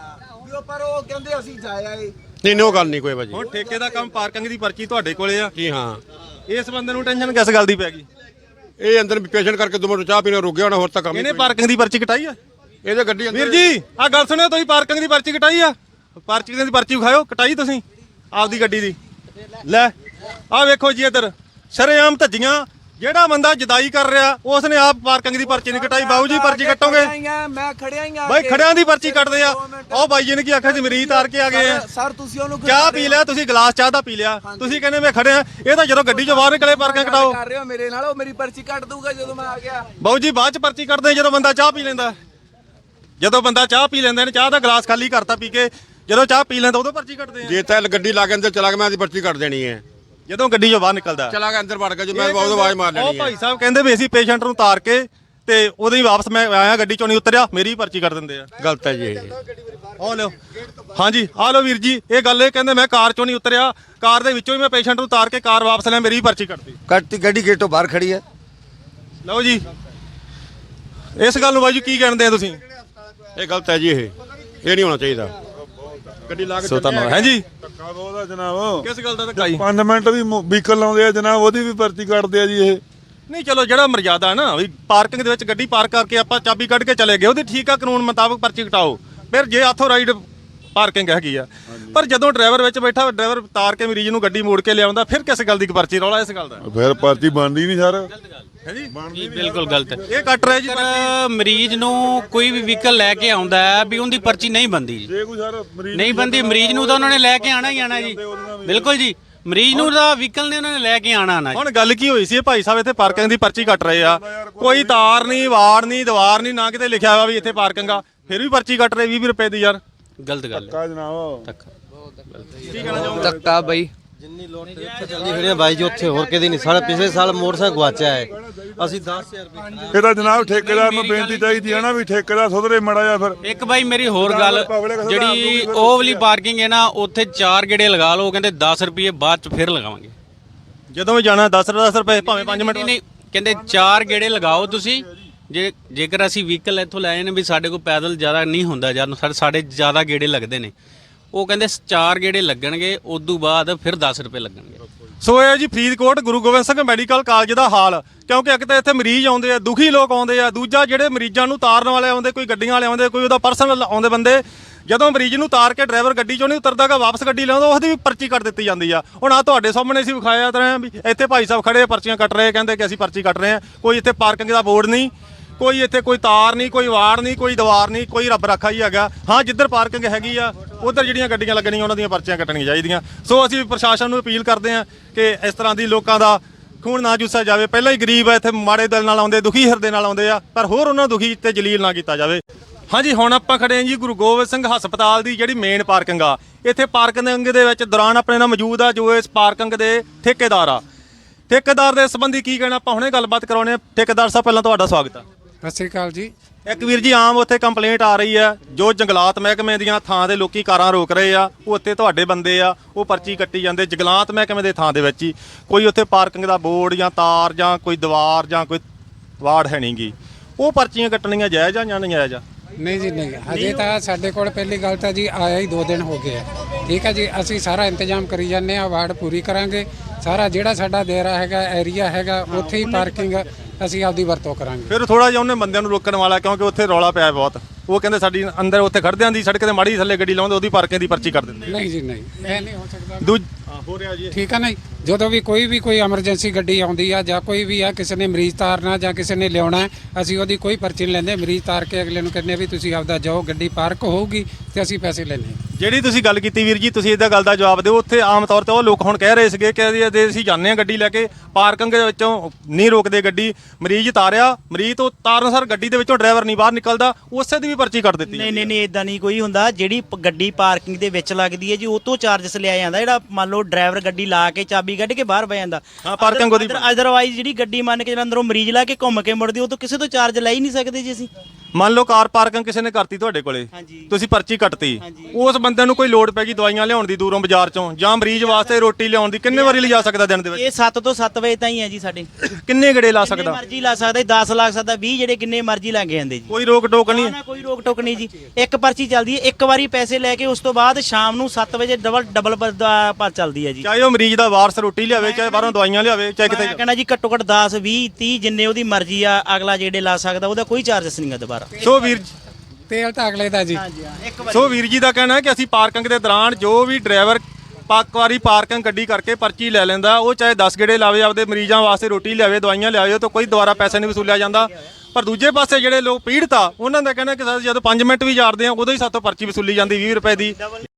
Speaker 3: ਪਰ ਉਹ ਕਹਿੰਦੇ ਅਸੀਂ ਜਾਇਆ ਏ।
Speaker 5: ਨਹੀਂ ਨਹੀਂ ਉਹ ਗੱਲ ਨਹੀਂ ਕੋਈ ਭਾਜੀ।
Speaker 1: ਹੁਣ ਠੇਕੇ ਦਾ ਕੰਮ, ਪਾਰਕਿੰਗ ਦੀ ਪਰਚੀ ਤੁਹਾਡੇ ਕੋਲੇ ਆ।
Speaker 5: ਜੀ ਹਾਂ,
Speaker 1: ਇਸ ਬੰਦੇ ਨੂੰ ਟੈਨਸ਼ਨ ਕਿਸ ਗੱਲ ਦੀ ਪੈ ਗਈ?
Speaker 5: ਇਹ ਅੰਦਰ ਪੇਸ਼ੈਂਟ ਕਰਕੇ ਦੋ ਮਿੰਟ ਚਾਹ ਪੀਣਾ ਰੁਕ ਗਿਆ ਹੋਣਾ, ਹੋਰ ਤਾਂ ਕੰਮ ਹੀ
Speaker 1: ਇਹਨੇ
Speaker 5: ਕੋਈ
Speaker 1: ਪਾਰਕਿੰਗ ਦੀ ਪਰਚੀ ਕਟਾਈ ਆ?
Speaker 5: ਨਹੀਂ। ਇਹਦੇ ਗੱਡੀ ਅੰਦਰ
Speaker 1: ਵੀਰ ਜੀ ਆ ਗੱਲ ਸੁਣਿਓ, ਤੁਸੀਂ ਪਾਰਕਿੰਗ ਦੀ ਪਰਚੀ ਕਟਾਈ ਆ? ਪਰਚੀ ਦੀ ਪਰਚੀ ਵਿਖਾਇਓ, ਕਟਾਈ ਤੁਸੀਂ ਆਪਦੀ ਗੱਡੀ ਦੀ? ਲੈ ਆ ਵੇਖੋ ਜੀ ਇੱਧਰ ਸ਼ਰੇਆਮ ਧੱਜੀਆਂ। ਜਿਹੜਾ ਬੰਦਾ ਜਦਾਈ ਕਰ ਰਿਹਾ ਉਸ ਨੇ ਆਪ ਪਾਰਕਿੰਗ ਦੀ ਪਰਚੀ ਨਹੀਂ ਕਟਾਈ। ਬਾਬੂ ਜੀ ਪਰਚੀ ਕੱਟੋਗੇ?
Speaker 3: ਮੈਂ ਖੜਿਆ ਹੀ ਆ
Speaker 1: ਬਾਈ ਖੜਿਆਂ ਦੀ ਪਰਚੀ ਕੱਟਦੇ ਆ। ਉਹ ਬਾਈ ਜੀ ਨੇ ਕੀ ਆਖਿਆ ਸੀ, ਮਰੀਜ਼ ਤਾਰ ਕੇ ਆ ਗਏ ਆ।
Speaker 3: ਸਰ ਤੁਸੀਂ ਉਹਨੂੰ
Speaker 1: ਚਾਹ ਪੀ ਲਿਆ ਤੁਸੀਂ, ਗਲਾਸ ਚਾਹ ਦਾ ਪੀ ਲਿਆ, ਤੁਸੀਂ ਕਹਿੰਦੇ ਮੈਂ ਖੜਿਆ। ਇਹ ਤਾਂ ਜਦੋਂ ਗੱਡੀ ਚੋਂ ਬਾਹਰ ਨਿਕਲੇ ਪਾਰਕਿੰਗ ਕਟਾਓ।
Speaker 3: ਕਰ ਰਹੇ ਹੋ ਮੇਰੇ ਨਾਲ, ਉਹ ਮੇਰੀ ਪਰਚੀ ਕੱਟ ਦੂਗਾ ਜਦੋਂ ਮੈਂ ਆ ਗਿਆ।
Speaker 1: ਬਾਬੂ ਜੀ ਬਾਅਦ ਚ ਪਰਚੀ ਕੱਟਦੇ ਜਦੋਂ ਬੰਦਾ ਚਾਹ ਪੀ ਲੈਂਦਾ। ਜਦੋਂ ਬੰਦਾ ਚਾਹ ਪੀ ਲੈਂਦਾ ਨੇ, ਚਾਹ ਦਾ ਗਲਾਸ ਖਾਲੀ ਕਰਤਾ ਪੀ ਕੇ, ਜਦੋਂ ਚਾਹ ਪੀ ਲੈਂਦਾ ਉਦੋਂ ਪਰਚੀ ਕੱਟਦੇ ਆ।
Speaker 5: ਜੇ ਤਾਂ ਗੱਡੀ ਲਾ ਕੇ ਅੰਦਰ ਚਲਾ ਗਿਆ, ਮੈਂ ਇਹਦੀ ਪਰਚੀ ਕੱਟ ਦੇਣੀ ਹੈ।
Speaker 1: ਜਦੋਂ ਗੱਡੀ ਚੋਂ ਬਾਹਰ ਨਿਕਲਦਾ
Speaker 5: ਚਲਾ ਕੇ ਅੰਦਰ ਵੜ ਗਿਆ, ਜੇ ਮੈਂ ਬਹੁਤ ਆਵਾਜ਼ ਮਾਰ
Speaker 1: ਉਹ
Speaker 5: ਲੈਣੀ ਹੈ।
Speaker 1: ਭਾਈ ਸਾਹਿਬ ਕਹਿੰਦੇ ਵੀ ਅਸੀਂ ਪੇਸ਼ੈਂਟ ਨੂੰ ਤਾਰ ਕੇ ਤੇ ਉਹਦੇ ਹੀ ਵਾਪਸ ਮੈਂ ਆਇਆ, ਗੱਡੀ ਚੋਂ ਨਹੀਂ ਉਤਰਿਆ, ਮੇਰੀ ਪਰਚੀ ਕੱਟ ਦਿੰਦੇ ਆ।
Speaker 5: ਗਲਤ ਹੈ ਜੀ ਇਹ।
Speaker 1: ਆ ਲਓ, ਹਾਂਜੀ ਆ ਲਓ ਵੀਰ ਜੀ, ਇਹ ਗੱਲ ਇਹ ਕਹਿੰਦੇ ਮੈਂ ਕਾਰ ਚੋਂ ਨਹੀਂ ਉਤਰਿਆ, ਕਾਰ ਦੇ ਵਿੱਚੋਂ ਹੀ ਮੈਂ ਪੇਸ਼ੈਂਟ ਨੂੰ ਤਾਰ ਕੇ ਕਾਰ ਵਾਪਸ ਲਿਆ, ਮੇਰੀ ਪਰਚੀ ਕੱਟਦੀ।
Speaker 4: ਕੱਟੀ ਗੱਡੀ ਗੇਟ ਤੋਂ ਬਾਹਰ ਖੜੀ ਹੈ।
Speaker 1: ਲਓ ਜੀ, ਇਸ ਗੱਲ ਨੂੰ ਬਾਈ ਜੀ ਕੀ ਕਹਿੰਦੇ ਆ ਤੁਸੀਂ?
Speaker 5: ਇਹ ਗਲਤ ਹੈ ਜੀ, ਇਹ ਇਹ ਨਹੀਂ ਹੋਣਾ ਚਾਹੀਦਾ। ਗੱਡੀ ਲਾ ਕੇ
Speaker 1: ਸੋ ਧੰਨਵਾਦ। ਹਾਂਜੀ
Speaker 6: ਧੱਕਾ ਬਹੁਤਾ ਜਨਾਬ,
Speaker 1: ਕਿਸ ਗੱਲ ਦਾ ਧੱਕਾ ਜੀ?
Speaker 6: ਪੰਜ ਮਿੰਟ ਵੀ ਵਹੀਕਲ ਲਾਉਂਦੇ ਆ ਜਨਾਬ, ਉਹਦੀ ਵੀ ਪਰਚੀ ਕੱਟਦੇ ਆ ਜੀ ਇਹ।
Speaker 1: ਨਹੀਂ ਚਲੋ ਜਿਹੜਾ ਮਰਜ਼ਾਦਾ ਨਾ ਵੀ ਪਾਰਕਿੰਗ ਦੇ ਵਿੱਚ ਗੱਡੀ ਪਾਰਕ ਕਰਕੇ ਆਪਾਂ ਚਾਬੀ ਕੱਢ ਕੇ ਚਲੇ ਗਏ, ਉਹਦੀ ਠੀਕ ਆ, ਕਾਨੂੰਨ ਮੁਤਾਬਕ ਪਰਚੀ ਕਟਾਓ। ਫਿਰ ਜੇ ਆਥੋ ਰਾਈਡ ਪਾਰਕਿੰਗ ਹੈਗੀ ਆ, ਪਰ ਜਦੋਂ ਡਰਾਈਵਰ ਵਿੱਚ ਬੈਠਾ, ਡਰਾਈਵਰ ਤਾਰ ਕੇ ਮਰੀਜ਼ ਨੂੰ ਗੱਡੀ ਮੋੜ ਕੇ ਲਿਆਉਂਦਾ, ਫਿਰ ਕਿਸ ਗੱਲ ਦੀ ਪਰਚੀ? ਰੌਲਾ ਇਸ ਗੱਲ ਦਾ
Speaker 6: ਫਿਰ ਪਰਚੀ ਬਣਦੀ ਨਹੀਂ ਸਰ।
Speaker 1: ਹੈ ਜੀ,
Speaker 7: ਜੀ ਬਿਲਕੁਲ ਗਲਤ ਹੈ।
Speaker 1: ਇਹ ਕੱਟ ਰਿਹਾ ਜੀ ਪਰਚੀ।
Speaker 7: ਪਰ ਮਰੀਜ਼ ਨੂੰ ਕੋਈ ਵੀ ਵਹੀਕਲ ਲੈ ਕੇ ਆਉਂਦਾ ਹੈ ਵੀ ਉਹਦੀ ਪਰਚੀ ਨਹੀਂ ਬਣਦੀ ਜੀ,
Speaker 6: ਜੇ ਕੋਈ ਸਰ ਮਰੀਜ਼
Speaker 7: ਨਹੀਂ ਬਣਦੀ। ਮਰੀਜ਼ ਨੂੰ ਤਾਂ ਉਹਨਾਂ ਨੇ ਲੈ ਕੇ ਆਣਾ ਹੀ ਆਣਾ ਜੀ, ਬਿਲਕੁਲ ਜੀ। ਮਰੀਜ਼ ਨੂੰ ਤਾਂ ਵਹੀਕਲ ਨੇ ਉਹਨਾਂ ਨੇ ਲੈ ਕੇ ਆਣਾ ਆਣਾ।
Speaker 1: ਹੁਣ ਗੱਲ ਕੀ ਹੋਈ ਸੀ, ਇਹ ਭਾਈ ਸਾਹਿਬ ਇੱਥੇ ਪਾਰਕਿੰਗ ਦੀ ਪਰਚੀ ਕੱਟ ਰਹੇ ਆ, ਕੋਈ ਤਾਰ ਨਹੀਂ, ਵਾੜ ਨਹੀਂ, ਦੀਵਾਰ ਨਹੀਂ, ਨਾ ਕਿਤੇ ਲਿਖਿਆ ਹੋਇਆ ਵੀ ਇੱਥੇ ਪਾਰਕਿੰਗ ਆ, ਫਿਰ ਵੀ ਪਰਚੀ ਕੱਟ ਰਹੇ ਵੀਹ ਵੀਹ ਰੁਪਏ ਦੀ ਯਾਰ।
Speaker 7: ਗਲਤ ਗੱਲ ਹੈ।
Speaker 6: ਧੱਕਾ ਜਨਾਬ।
Speaker 7: ਧੱਕਾ
Speaker 1: ਕੀ ਕਹਿਣਾ ਚਾਹੁੰਦੇ?
Speaker 8: ਧੱਕਾ ਬਈ ਜਿੰਨੀ ਲੋੜ ਤੇ ਉੱਥੇ ਚੱਲਦੀ ਖੜੀ ਆ ਬਾਈ ਜੀ, ਉੱਥੇ ਹੋਰ ਕਿਤੇ ਨਹੀਂ। ਸਾਡੇ ਪਿਛਲੇ ਸਾਲ ਮੋਟਰਸਾਈਕਲ ਗਵਾਚਿਆ ਹੈ, ਅਸੀਂ ਦਸ ਹਜ਼ਾਰ ਰੁਪਏ
Speaker 6: ਇਹ ਤਾਂ ਜਨਾਬ ਠੇਕੇਦਾਰ ਨੂੰ ਬੇਨਤੀ ਚਾਹੀਦੀ ਹੈ ਨਾ ਵੀ ਠੇਕੇਦਾਰ ਸੁਧਰੇ ਮੜਾ ਜਾ ਫਿਰ।
Speaker 7: ਇੱਕ ਬਾਈ ਮੇਰੀ ਹੋਰ ਗੱਲ, ਜਿਹੜੀ ਉਹ ਵਾਲੀ ਪਾਰਕਿੰਗ ਹੈ ਨਾ, ਉੱਥੇ ਚਾਰ ਗੇੜੇ ਲਗਾ ਲਓ, ਕਹਿੰਦੇ ਦਸ ਰੁਪਏ ਬਾਅਦ ਚ ਫਿਰ ਲਗਾਵਾਂਗੇ।
Speaker 1: ਜਦੋਂ ਵੀ ਜਾਣਾ ਦਸ ਦਸ ਰੁਪਏ ਭਾਵੇਂ ਪੰਜ ਮਿੰਟ।
Speaker 7: ਨਹੀਂ, ਕਹਿੰਦੇ ਚਾਰ ਗੇੜੇ ਲਗਾਓ ਤੁਸੀਂ। ਜੇ ਜੇਕਰ ਅਸੀਂ ਵਹੀਕਲ ਇੱਥੋਂ ਲੈ ਨੇ ਵੀ ਸਾਡੇ ਕੋਲ ਪੈਦਲ ਜ਼ਿਆਦਾ ਨਹੀਂ ਹੁੰਦਾ, ਜਦ ਸਾਡੇ ਸਾਡੇ ਜ਼ਿਆਦਾ ਗੇੜੇ ਲੱਗਦੇ ਨੇ, ਉਹ ਕਹਿੰਦੇ ਚਾਰ ਗੇੜੇ ਲੱਗਣਗੇ, ਉਦੋਂ ਬਾਅਦ ਫਿਰ ਦਸ ਰੁਪਏ ਲੱਗਣਗੇ।
Speaker 1: ਸੋ ਇਹ ਜੀ ਫਰੀਦਕੋਟ ਗੁਰੂ ਗੋਬਿੰਦ ਸਿੰਘ ਮੈਡੀਕਲ ਕਾਲਜ ਦਾ ਹਾਲ, ਕਿਉਂਕਿ ਇੱਕ ਤਾਂ ਇੱਥੇ ਮਰੀਜ਼ ਆਉਂਦੇ ਆ, ਦੁਖੀ ਲੋਕ ਆਉਂਦੇ ਆ, ਦੂਜਾ ਜਿਹੜੇ ਮਰੀਜ਼ਾਂ ਨੂੰ ਤਾਰਨ ਵਾਲੇ ਆਉਂਦੇ, ਕੋਈ ਗੱਡੀਆਂ ਵਾਲੇ ਆਉਂਦੇ, ਕੋਈ ਉਹਦਾ ਪਰਸਨਲ ਆਉਂਦੇ ਬੰਦੇ, ਜਦੋਂ ਮਰੀਜ਼ ਨੂੰ ਤਾਰ ਕੇ ਡਰਾਈਵਰ ਗੱਡੀ ਚੋਂ ਨਹੀਂ ਉਤਰਦਾਗਾ, ਵਾਪਸ ਗੱਡੀ ਲਿਆਉਂਦਾ, ਉਹਦੀ ਵੀ ਪਰਚੀ ਕੱਟ ਦਿੱਤੀ ਜਾਂਦੀ ਆ। ਹੁਣ ਆ ਤੁਹਾਡੇ ਸਾਹਮਣੇ ਅਸੀਂ ਵਿਖਾਇਆ ਤਰ੍ਹਾਂ ਵੀ ਇੱਥੇ ਭਾਈ ਸਾਹਿਬ ਖੜੇ ਪਰਚੀਆਂ ਕੱਟ ਰਹੇ, ਕਹਿੰਦੇ ਕਿ ਅਸੀਂ ਪਰਚੀ ਕੱਟ ਰਹੇ ਹਾਂ। ਕੋਈ ਇੱਥੇ ਪਾਰਕਿੰਗ ਦਾ ਬੋਰਡ ਨਹੀਂ, ਕੋਈ ਇੱਥੇ ਕੋਈ ਤਾਰ ਨਹੀਂ, ਕੋਈ ਵਾੜ ਨਹੀਂ, ਕੋਈ ਦੀਵਾਰ ਨਹੀਂ, ਕੋਈ ਰੱਬ ਰਾਖਾ ਹੀ ਹੈਗਾ। ਹਾਂ, ਜਿੱਧਰ ਪਾਰਕਿੰਗ ਹੈਗੀ ਆ ਉਧਰ ਜਿਹੜੀਆਂ ਗੱਡੀਆਂ ਲੱਗਣੀਆਂ ਉਹਨਾਂ ਦੀਆਂ ਪਰਚੀਆਂ ਕੱਟਣੀਆਂ ਚਾਹੀਦੀਆਂ। ਸੋ ਅਸੀਂ ਪ੍ਰਸ਼ਾਸਨ ਨੂੰ ਅਪੀਲ ਕਰਦੇ ਹਾਂ ਕਿ ਇਸ ਤਰ੍ਹਾਂ ਦੀ ਲੋਕਾਂ ਦਾ ਖੂਨ ਨਾ ਚੂਸਿਆ ਜਾਵੇ। ਪਹਿਲਾਂ ਹੀ ਗਰੀਬ ਆ, ਇੱਥੇ ਮਾੜੇ ਦਿਲ ਨਾਲ ਆਉਂਦੇ, ਦੁਖੀ ਹਿਰਦੇ ਨਾਲ ਆਉਂਦੇ ਆ, ਪਰ ਹੋਰ ਉਹਨਾਂ ਨੂੰ ਦੁਖੀ ਤੇ ਜਲੀਲ ਨਾ ਕੀਤਾ ਜਾਵੇ। ਹਾਂਜੀ, ਹੁਣ ਆਪਾਂ ਖੜੇ ਹਾਂ ਜੀ ਗੁਰੂ ਗੋਬਿੰਦ ਸਿੰਘ ਹਸਪਤਾਲ ਦੀ ਜਿਹੜੀ ਮੇਨ ਪਾਰਕਿੰਗ ਆ। ਇੱਥੇ ਪਾਰਕਿੰਗ ਦੇ ਵਿੱਚ ਦੌਰਾਨ ਆਪਣੇ ਨਾਲ ਮੌਜੂਦ ਆ ਜੋ ਇਸ ਪਾਰਕਿੰਗ ਦੇ ਠੇਕੇਦਾਰ ਆ। ਠੇਕੇਦਾਰ ਦੇ ਸੰਬੰਧੀ ਕੀ ਕਹਿਣਾ, ਆਪਾਂ ਹੁਣੇ ਗੱਲਬਾਤ ਕਰਾਉਣੇ ਆ। ਠੇਕੇਦਾਰ ਸਾਹਿਬ, ਪਹਿਲਾਂ ਤੁਹਾਡਾ ਸਵਾਗਤ ਆ।
Speaker 9: ਸਤਿ ਸ਼੍ਰੀ ਅਕਾਲ ਜੀ।
Speaker 1: ਇੱਕ ਵੀਰ ਜੀ, ਆਮ ਉੱਥੇ ਕੰਪਲੇਂਟ ਆ ਰਹੀ ਹੈ, ਜੋ ਜੰਗਲਾਤ ਮਹਿਕਮੇ ਦੀਆਂ ਥਾਂ ਦੇ ਲੋਕੀ ਕਾਰਾਂ ਰੋਕ ਰਹੇ ਆ, ਉਹ ਉੱਥੇ ਤੁਹਾਡੇ ਬੰਦੇ ਆ, ਉਹ ਪਰਚੀ ਕੱਟੀ ਜਾਂਦੇ ਜੰਗਲਾਤ ਮਹਿਕਮੇ ਦੇ ਥਾਂ ਦੇ ਵਿੱਚ ਹੀ। ਕੋਈ ਉੱਥੇ ਪਾਰਕਿੰਗ ਦਾ ਬੋਰਡ ਜਾਂ ਤਾਰ ਜਾਂ ਕੋਈ ਦੀਵਾਰ ਜਾਂ ਕੋਈ ਵਾੜ ਹੈ ਨਹੀਂਗੀ, ਉਹ ਪਰਚੀਆਂ ਕੱਟਣੀਆਂ ਜਾਇਜ਼ ਆ ਜਾਂ ਨਹੀਂ ਜਾਇਜ਼ ਆ?
Speaker 9: ਨਹੀਂ ਜੀ ਨਹੀਂ, ਹਜੇ ਤਾਂ ਸਾਡੇ ਕੋਲ ਪਹਿਲੀ ਗੱਲ ਤਾਂ ਜੀ ਆਇਆ ਹੀ ਦੋ ਦਿਨ ਹੋ ਗਏ ਆ। ਠੀਕ ਹੈ ਜੀ, ਅਸੀਂ ਸਾਰਾ ਇੰਤਜ਼ਾਮ ਕਰੀ ਜਾਂਦੇ ਆ, ਵਾਰਡ ਪੂਰੀ ਕਰਾਂਗੇ। ਸਾਰਾ ਜਿਹੜਾ ਸਾਡਾ ਦੇਰਾ ਹੈਗਾ, ਏਰੀਆ ਹੈਗਾ, ਉੱਥੇ ਹੀ ਪਾਰਕਿੰਗ ਅਸੀਂ ਆਪਦੀ ਵਰਤੋਂ ਕਰਾਂਗੇ।
Speaker 1: ਫਿਰ ਥੋੜਾ ਜਿਹਾ ਉਹਨੇ ਬੰਦਿਆਂ ਨੂੰ ਰੋਕਣ ਵਾਲਾ, ਕਿਉਂਕਿ ਉੱਥੇ ਰੌਲਾ ਪਿਆ ਬਹੁਤ। ਉਹ ਕਹਿੰਦੇ ਸਾਡੀ ਅੰਦਰ ਉੱਥੇ ਖੜਦਿਆਂ ਦੀ ਸੜਕ ਤੇ ਮਾੜੀ ਥੱਲੇ ਗੱਡੀ ਲਾਉਂਦੇ, ਉਹਦੀ ਪਾਰਕਿੰਗ ਦੀ ਪਰਚੀ ਕਰ ਦਿੰਦੇ।
Speaker 9: ਨਹੀਂ ਜੀ ਨਹੀਂ, ਇਹ ਨਹੀਂ ਹੋ ਸਕਦਾ।
Speaker 1: ਦੂਜ ਹੋ ਰਿਹਾ ਜੀ,
Speaker 9: ਠੀਕ ਹੈ ਨਾ ਜੀ। ਜਦੋਂ ਵੀ ਕੋਈ ਵੀ ਕੋਈ ਐਮਰਜੈਂਸੀ ਗੱਡੀ ਆਉਂਦੀ ਆ ਜਾਂ ਕੋਈ ਵੀ ਆ, ਕਿਸੇ ਨੇ ਮਰੀਜ਼ ਤਾਰਨਾ ਜਾਂ ਕਿਸੇ ਨੇ ਲਿਆਉਣਾ, ਅਸੀਂ ਉਹਦੀ ਕੋਈ ਪਰਚੀ ਨਹੀਂ ਲੈਂਦੇ। ਮਰੀਜ਼ ਤਾਰ ਕੇ ਅਗਲੇ ਨੂੰ ਕਹਿੰਦੇ ਵੀ ਤੁਸੀਂ ਆਪਦਾ ਜਾਓ, ਗੱਡੀ ਪਾਰਕ ਹੋਊਗੀ ਤੇ ਅਸੀਂ ਪੈਸੇ ਲੈਣੇ।
Speaker 1: ਜਿਹੜੀ ਤੁਸੀਂ ਗੱਲ ਕੀਤੀ ਵੀਰ ਜੀ, ਤੁਸੀਂ ਇਹਦਾ ਗੱਲ ਦਾ ਜਵਾਬ ਦਿਓ। ਉੱਥੇ ਆਮ ਤੌਰ ਤੇ ਉਹ ਲੋਕ ਹੁਣ ਕਹਿ ਰਹੇ ਸੀਗੇ ਕਿ ਅਸੀਂ ਜਾਂਦੇ ਹਾਂ ਗੱਡੀ ਲੈ ਕੇ, ਪਾਰਕਿੰਗ ਦੇ ਵਿੱਚੋਂ ਨਹੀਂ ਰੋਕਦੇ ਗੱਡੀ, ਮਰੀਜ਼ ਤਾਰਿਆ, ਮਰੀਜ਼ ਤੋਂ ਤਾਰਨ ਸਰ ਗੱਡੀ ਦੇ ਵਿੱਚੋਂ ਡਰਾਈਵਰ ਨਹੀਂ ਬਾਹਰ ਨਿਕਲਦਾ, ਉਸੇ ਦੀ ਵੀ ਪਰਚੀ ਕੱਟ ਦਿੱਤੀ।
Speaker 10: ਨਹੀਂ ਨਹੀਂ ਨਹੀਂ, ਇਦਾਂ ਨਹੀਂ ਕੋਈ ਹੁੰਦਾ। ਜਿਹੜੀ ਪ- ਗੱਡੀ ਪਾਰਕਿੰਗ ਦੇ ਵਿੱਚ ਲੱਗਦੀ ਹੈ ਜੀ, ਉਹ ਤੋਂ ਚਾਰਜਸ ਲਿਆ ਜਾਂਦਾ। ਜਿਹੜਾ ਮੰਨ ਲਓ ਡਰਾਈਵਰ ਗੱਡੀ ਲਾ ਕੇ ਚਾਬੀ ਕੱਢ ਕੇ ਬਾਹਰ ਬਹਿ ਜਾਂਦਾ,
Speaker 1: ਹਾਂ, ਪਾਰਕਿੰਗ ਉਹਦੀ।
Speaker 10: ਅਦਰਵਾਈਜ਼ ਜਿਹੜੀ ਗੱਡੀ ਮੰਨ ਕੇ ਜਿਹੜਾ ਅੰਦਰੋਂ ਮਰੀਜ਼ ਲਾ ਕੇ ਘੁੰਮ ਕੇ ਮੁੜਦੀ, ਉਹ ਤੋਂ ਕਿਸੇ ਤੋਂ ਚਾਰਜ ਲੈ ਹੀ ਨਹੀਂ ਸਕਦੇ ਜੀ ਅਸੀਂ।
Speaker 1: ਮੰਨ ਲਓ ਕਾਰ ਪਾਰਕਿੰਗ ਕਿਸੇ ਨੇ ਕਰਤੀ ਤੁਹਾਡੇ ਕੋਲੇ, ਤੁਸੀਂ ਪਰਚੀ ਕੱਟਤੀ, ਉਸ ਬੰਦੇ ਨੂੰ ਕੋਈ ਲੋੜ ਪੈ ਗਈ ਦਵਾਈਆਂ ਲਿਆਉਣ ਦੀ ਦੂਰੋਂ ਬਾਜ਼ਾਰ ਚੋਂ, ਜਾਂ ਮਰੀਜ਼ ਵਾਸਤੇ ਰੋਟੀ ਲਿਆਉਣ ਦੀ, ਕਿੰਨੇ ਵਾਰੀ ਲਿਜਾ ਸਕਦਾ ਦਿਨ ਦੇ ਵਿੱਚ?
Speaker 10: ਇਹ ਸੱਤ ਤੋਂ ਸੱਤ ਵਜੇ ਤਾਈਂ ਹੈ ਜੀ ਸਾਡੇ।
Speaker 1: ਕਿੰਨੇ ਗੇੜੇ ਲਾ
Speaker 10: ਜਿੰਨੇ
Speaker 1: ਸਕਦਾ?
Speaker 10: ਮਰਜ਼ੀ ਲਾ ਸਕਦਾ, ਦਸ ਲੱਗ ਸਕਦਾ, ਵੀਹ, ਜਿਹੜੇ ਕਿੰਨੇ ਮਰਜ਼ੀ ਲੱਗ ਜਾਂਦੇ ਜੀ।
Speaker 1: ਕੋਈ ਰੋਕ ਟੋਕ ਨਹੀਂ?
Speaker 10: ਨਾ ਕੋਈ ਰੋਕ ਟੋਕ ਨਹੀਂ ਜੀ। ਇੱਕ ਪਰਚੀ ਚੱਲਦੀ ਹੈ, ਇੱਕ ਵਾਰੀ ਪੈਸੇ ਲੈ ਕੇ ਉਸ ਤੋਂ ਬਾਅਦ ਸ਼ਾਮ ਨੂੰ ਸੱਤ ਵਜੇ ਡਬਲ ਡਬਲ ਪਰ ਚੱਲਦੀ ਹੈ ਜੀ।
Speaker 1: ਚਾਹੇ ਉਹ ਮਰੀਜ਼ ਦਾ ਵਾਰਸ ਰੋਟੀ ਲਿਆਵੇ, ਚਾਹੇ ਬਾਹਰੋਂ ਦਵਾਈਆਂ ਲਿਆਵੇ, ਚਾਹੇ ਕਿਤੇ।
Speaker 10: ਮੈਂ ਕਹਿੰਦਾ ਜੀ ਘੱਟੋ ਘੱਟ ਦਸ, ਵੀਹ, ਤੀਹ ਜਿੰਨੇ ਉਹਦੀ ਮਰਜ਼ੀ ਆ, ਅਗਲਾ ਜਿਹੜੇ ਲਾ ਸਕਦਾ, ਉਹਦਾ ਕੋਈ ਚਾਰਜਸ ਨਹੀਂ ਗਾ ਦੁਬਾਰਾ।
Speaker 1: ਸੋ ਵੀਰ
Speaker 9: ਤੇਲ ਤਾਂ ਅਗਲੇ ਦਾ ਜੀ।
Speaker 1: ਸੋ ਵੀਰ ਜੀ ਦਾ ਕਹਿਣਾ ਹੈ ਕਿ ਅਸੀਂ ਪਾਰਕਿੰਗ ਦੇ ਦੌਰਾਨ ਜੋ ਵੀ ਡਰਾਈਵਰ ਪੱਕ ਵਾਰੀ ਪਾਰਕਿੰਗ ਗੱਡੀ ਕਰਕੇ ਪਰਚੀ ਲੈ ਲੈਂਦਾ, ਉਹ ਚਾਹੇ ਦਸ ਗੇੜੇ ਲਾਵੇ, ਆਪਦੇ ਮਰੀਜ਼ਾਂ ਵਾਸਤੇ ਰੋਟੀ ਲਿਆਵੇ, ਦਵਾਈਆਂ ਲਿਆਵੇ, ਉਹ ਤੋਂ ਕੋਈ ਦੁਬਾਰਾ ਪੈਸੇ ਨਹੀਂ ਵਸੂਲਿਆ ਜਾਂਦਾ। ਪਰ ਦੂਜੇ ਪਾਸੇ ਜਿਹੜੇ ਲੋਕ ਪੀੜਤ ਆ, ਉਹਨਾਂ ਦਾ ਕਹਿਣਾ ਕਿ ਜਦੋਂ ਪੰਜ ਮਿੰਟ ਵੀ ਜਾੜਦੇ ਆ, ਉਦੋਂ ਹੀ ਸਾਤੋਂ ਪਰਚੀ ਵਸੂਲੀ ਜਾਂਦੀ ਵੀਹ ਰੁਪਏ ਦੀ।